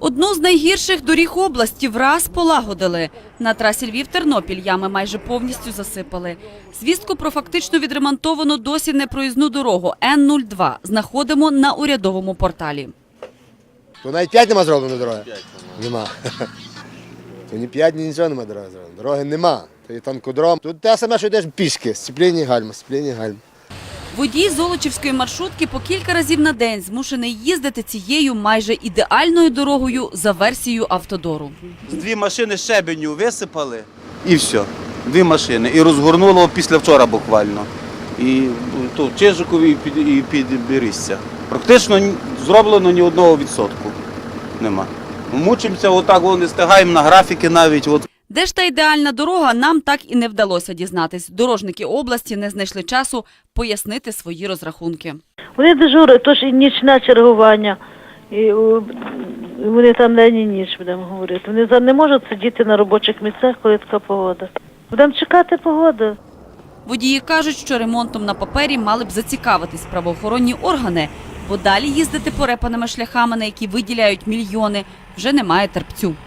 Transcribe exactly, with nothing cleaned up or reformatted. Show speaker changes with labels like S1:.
S1: Одну з найгірших доріг області враз полагодили. На трасі Львів-Тернопіль ями майже повністю засипали. Звістку про фактично відремонтовану досі непроїзну дорогу Н нуль два знаходимо на урядовому порталі.
S2: То навіть п'ять нема зроблено дороги? Нема. То ні п'ять, ні нічого нема дороги зроблено. Дороги нема. То є танкодром. Тут те саме, що йдеш пішки. Сцепління гальма, сцепління гальма.
S1: Водій Золочівської маршрутки по кілька разів на день змушений їздити цією майже ідеальною дорогою за версією автодору.
S3: Дві машини щебеню висипали і все. Дві машини. І розгорнуло після вчора буквально. І то в Чижикові, і під, і під Берізця. Практично зроблено ні одного відсотку. Нема. Мучимося, отак не встигаємо на графіки навіть. От.
S1: Де ж та ідеальна дорога, нам так і не вдалося дізнатись. Дорожники області не знайшли часу пояснити свої розрахунки.
S4: Вони дежурять, тож і нічне чергування. І вони там день і ніч, будемо говорити. Вони не можуть сидіти на робочих місцях, коли така погода. Будемо чекати погоди.
S1: Водії кажуть, що ремонтом на папері мали б зацікавитись правоохоронні органи, бо далі їздити порепаними шляхами, на які виділяють мільйони, вже немає терпцю.